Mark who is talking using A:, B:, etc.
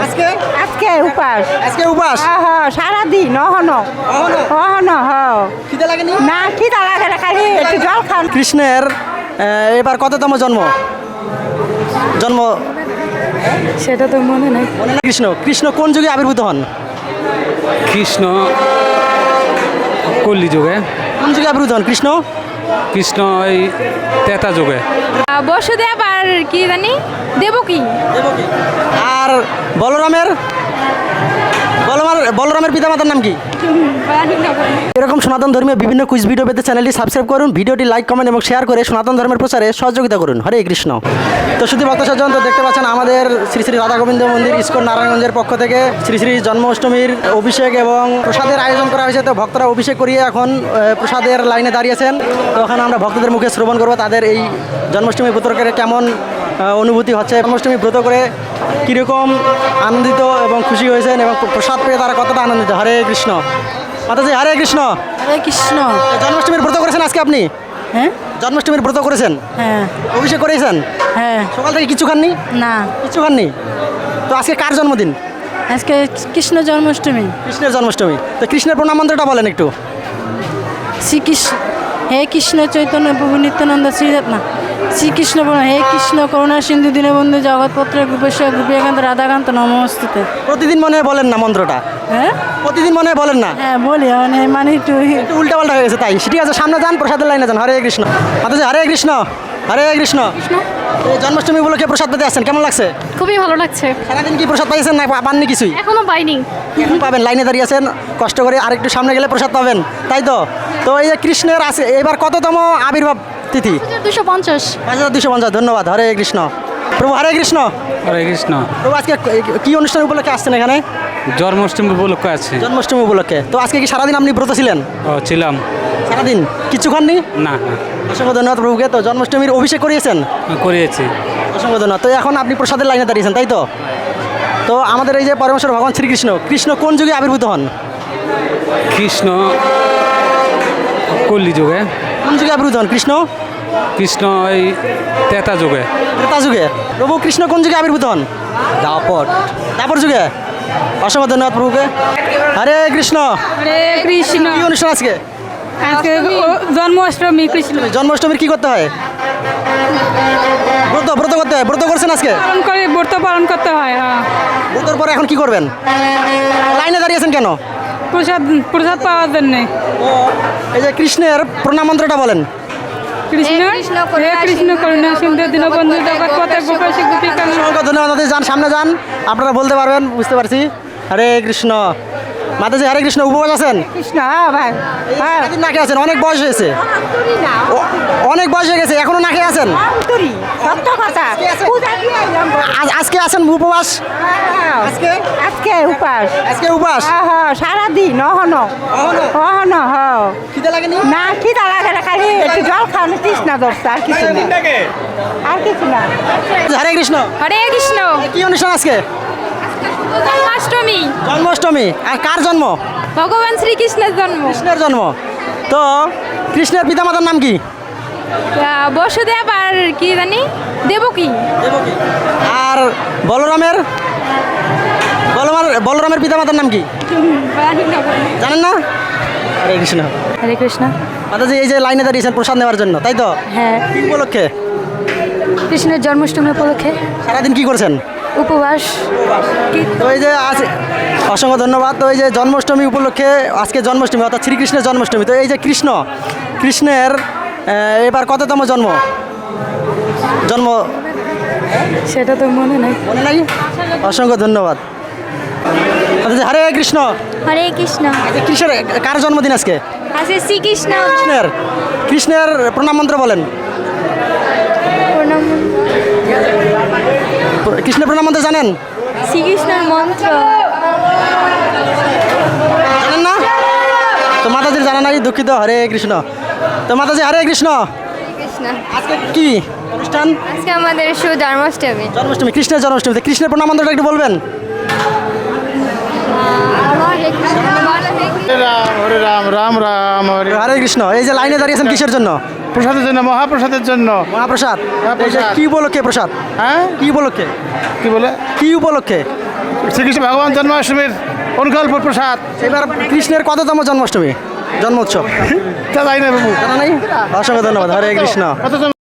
A: আজকে
B: আজকে উপাস
A: আজকে উপাস
B: সারাদিন অহনো অহনো
A: খিদে লাগেনি
B: না খিদা লাগে না, খালি একটু জল খান।
A: কৃষ্ণের এবার কততম জন্ম জন্ম
B: সেটা তো মনে নেই।
A: মনে না কৃষ্ণ কৃষ্ণ কোন যুগে আবির্ভূত হন
C: কৃষ্ণ কল্লি যুগে,
A: কোন যুগে আবির্ভূত হন কৃষ্ণ
C: কৃষ্ণ এই তেতা যুগে।
D: বসুদেব আর কি জানি দেবকী।
A: আর বলরামের বলরামের পিতামাতার নাম কি? এরকম সনাতন ধর্মীয় বিভিন্ন কুইজ ভিডিও পেতে চ্যানেলটি সাবস্ক্রাইব করুন, ভিডিওটি লাইক কমেন্ট এবং শেয়ার করে সনাতন ধর্মের প্রচারে সহযোগিতা করুন। হরে কৃষ্ণ। তো শুধু ভক্ত সজ্জন তো দেখতে পাচ্ছেন আমাদের শ্রী শ্রী রাধা গোবিন্দ মন্দির ইস্কন নারায়ণগঞ্জের পক্ষ থেকে শ্রী শ্রী জন্মাষ্টমীর অভিষেক এবং প্রসাদের আয়োজন করা হয়েছে। তো ভক্তরা অভিষেক করিয়ে এখন প্রসাদের লাইনে দাঁড়িয়েছেন। তো ওখানে আমরা ভক্তদের মুখে শ্রবণ করবো তাদের এই জন্মাষ্টমী ব্রতকে কেমন অনুভূতি হচ্ছে, জন্মাষ্টমী ব্রত করে কীরকম আনন্দিত এবং খুশি হয়েছেন এবং প্রসাদ পেয়ে তারা কতটা আনন্দিত। হরে কৃষ্ণ। মাতাজি হরে কৃষ্ণ।
B: হরে কৃষ্ণ।
A: জন্মাষ্টমীর ব্রত করেছেন আজকে আপনি?
B: হ্যাঁ
A: জন্মাষ্টমীর ব্রত করেছেন,
B: হ্যাঁ
A: অভিষেক করেছেন,
B: হ্যাঁ।
A: সকাল থেকে কিছু খাননি?
B: না,
A: কিছু খাননি। তো আজকে কার জন্মদিন?
B: আজকে কৃষ্ণ জন্মাষ্টমী।
A: কৃষ্ণের জন্মাষ্টমী। তো কৃষ্ণের প্রণাম মন্ত্রটা বলেন একটু।
B: শ্রীকৃষ্ণ হে কৃষ্ণ চৈতন্য প্রভু নিত্যানন্দ শ্রীরত্না শ্রীকৃষ্ণ হে কৃষ্ণ করুণা সিন্ধু দীনবন্ধু জগৎপত্র গোপেশ্বর গোপীকান্ত রাধাকান্ত নমস্তুতে।
A: প্রতিদিন মনে হয় বলেন না মন্ত্রটা?
B: হ্যাঁ
A: প্রতিদিন মনে হয় বলেন না?
B: হ্যাঁ বলি, মানে একটু
A: উল্টা পাল্টা হয়ে গেছে তাই। ঠিক আছে, সামনে যান, প্রসাদের লাইনে যান। হরে কৃষ্ণ। মাতাজি হরে কৃষ্ণ। হরে কৃষ্ণ। এই জন্মাষ্টমী উপলক্ষে প্রসাদ পেতে আসছেন, কেমন লাগছে?
D: খুবই ভালো লাগছে।
A: সারাদিন কি প্রসাদ পাইছেন না পাননি কিছুই?
D: এখনো পাইনি।
A: এখন পাবেন, লাইনে দাঁড়িয়ে আছেন, কষ্ট করে আরেকটু সামনে গেলে প্রসাদ পাবেন, তাই তো? তো এই যে কৃষ্ণের আছে এবার কততম আবির্ভাব তিথি?
D: 250।
A: 5250। ধন্যবাদ। হরে কৃষ্ণ। প্রভু হরে কৃষ্ণ।
C: হরে কৃষ্ণ।
A: প্রভু আজকে কি অনুষ্ঠান উপলক্ষে আসছেন এখানে?
C: জন্মাষ্টমী উপলক্ষে আছে।
A: জন্মাষ্টমী উপলক্ষে। তো আজকে কি সারাদিন আপনি ব্রত ছিলেন?
C: ছিলাম।
A: সারাদিন কিছু খাননি?
C: না না,
A: অসংখ্য ধন্যবাদ প্রভুকে। তো জন্মাষ্টমীর অভিষেক করিয়েছেন?
C: করিয়েছি।
A: অসংখ্য ধন্যবাদ। তো এখন আপনি প্রসাদের লাইনে দাঁড়িয়েছেন, তাই তো? তো আমাদের এই যে পরমেশ্বর ভগবান শ্রীকৃষ্ণ, কৃষ্ণ কোন যুগে আবির্ভূত হন?
C: কৃষ্ণ কল্লি যুগে,
A: কোন যুগে আবির্ভূত হন কৃষ্ণ?
C: কৃষ্ণ এই তেতা যুগে।
A: ত্রেতা যুগে। প্রভু কৃষ্ণ কোন যুগে আবির্ভূত হন? দাপর যুগে। অসংখ্য ধন্যবাদ প্রভুকে। হরে কৃষ্ণ।
D: হরে কৃষ্ণ।
A: কি অনুষ্ঠান আজকে?
D: আজকে জন্মাষ্টমী কৃষ্ণ
A: জন্মাষ্টমীর কি করতে হয়? ব্রত ব্রত করতে হয়। ব্রত করছেন আজকে?
D: ব্রত পালন করতে হয়।
A: ব্রতর পরে এখন কি করবেন? লাইনে দাঁড়িয়েছেন কেন?
D: প্রসাদ পাওয়ার জন্য।
A: এই যে কৃষ্ণের প্রণাম মন্ত্রটা বলেন।
D: কৃষ্ণ হে কৃষ্ণ করুণা সিন্ধু দীনবন্ধু জগৎপথে গোপেশ্বর গোপীকান্ত।
A: অসংখ্য ধন্যবাদ। মাতাজি যান, সামনে যান, আপনারা বলতে পারবেন, বুঝতে পারছি। হরে কৃষ্ণ। মাতাজি হরে কৃষ্ণ। উপবাস আছেন?
B: কৃষ্ণ ভাই হ্যাঁ
A: কতদিন না খেয়ে আছেন? অনেক বয়স হয়েছে, অনেক বয়স হয়ে গেছে, এখনো না খেয়ে আছেন?
B: সত্য কথা।
A: আজকে আছেন উপবাস? আজকে
B: আজকে উপাস
A: আজকে উপাস
B: সারাদিন অহনো অহনো
A: খিদে লাগেনি?
B: না খিদা লাগে না, খালি একটু জল খান, তৃষ্ণা ধরছে, আর কিছু না, আর কিছু না।
A: হরে কৃষ্ণ।
D: হরে কৃষ্ণ।
A: কি অনুষ্ঠান আজকে?
D: জন্মাষ্টমী।
A: জন্মাষ্টমী। আর কার জন্ম?
D: ভগবান শ্রীকৃষ্ণের জন্ম।
A: কৃষ্ণের জন্ম। তো কৃষ্ণের পিতামাতার নাম কি?
D: বসুদেব আর কি জানি দেবকী।
A: আর বলরামের বলরামের পিতামাতার নাম কি জানেন না? হরে কৃষ্ণ।
B: হরে কৃষ্ণ।
A: মাতাজি এই যে লাইনে দাঁড়িয়েছেন প্রসাদ নেওয়ার জন্য, তাই তো?
B: হ্যাঁ,
A: কি উপলক্ষে?
B: কৃষ্ণের জন্মাষ্টমী উপলক্ষে
A: সারাদিন কি করছেন?
B: উপবাস।
A: তো এই যে আছে, অসংখ্য ধন্যবাদ। তো এই যে জন্মাষ্টমী উপলক্ষে আজকে জন্মাষ্টমী অর্থাৎ শ্রীকৃষ্ণের জন্মাষ্টমী। তো এই যে কৃষ্ণের এবার কততম জন্ম
B: সেটা তো মনে নেই।
A: মনে নাই? অসংখ্য ধন্যবাদ। আচ্ছা, হরে কৃষ্ণ।
D: হরে কৃষ্ণ।
A: আজকে কৃষ্ণের কার জন্মদিন আজকে?
D: আজকে শ্রীকৃষ্ণ।
A: কৃষ্ণের প্রণাম মন্ত্র বলেন। কৃষ্ণের প্রণাম মন্ত্র জানেন?
D: শ্রীকৃষ্ণের মন্ত্র
A: জানেন না? তো মাতাজির জানা নাই, দুঃখিত। হরে কৃষ্ণ। তো মাতাজি হরে কৃষ্ণ।
D: কৃষ্ণ।
A: আজকে কি অনুষ্ঠান?
D: আজকে আমাদের জন্মাষ্টমী।
A: জন্মাষ্টমী, কৃষ্ণের জন্মাষ্টমী। কৃষ্ণের প্রণাম মন্ত্রটা একটু বলবেন।
E: হরে রাম রাম রাম হরে
A: হরে কৃষ্ণ। এই যে লাইনে দাঁড়িয়েছেন কিসের জন্য?
E: প্রসাদের জন্য, মহাপ্রসাদের জন্য।
A: মহাপ্রসাদ। এই যে
E: মহাপ্রসাদ।
A: কি উপলক্ষে প্রসাদ?
E: হ্যাঁ,
A: কি উপলক্ষে?
E: কি বলে?
A: কি উপলক্ষে?
E: শ্রীকৃষ্ণ ভগবান জন্মাষ্টমীর অনুকল্প প্রসাদ।
A: এবার কৃষ্ণের কততম জন্মাষ্টমী জন্মোৎসব
E: তা যাই না বাবু।
A: জানা নাই? অসংখ্য ধন্যবাদ। হরে কৃষ্ণ।
E: কত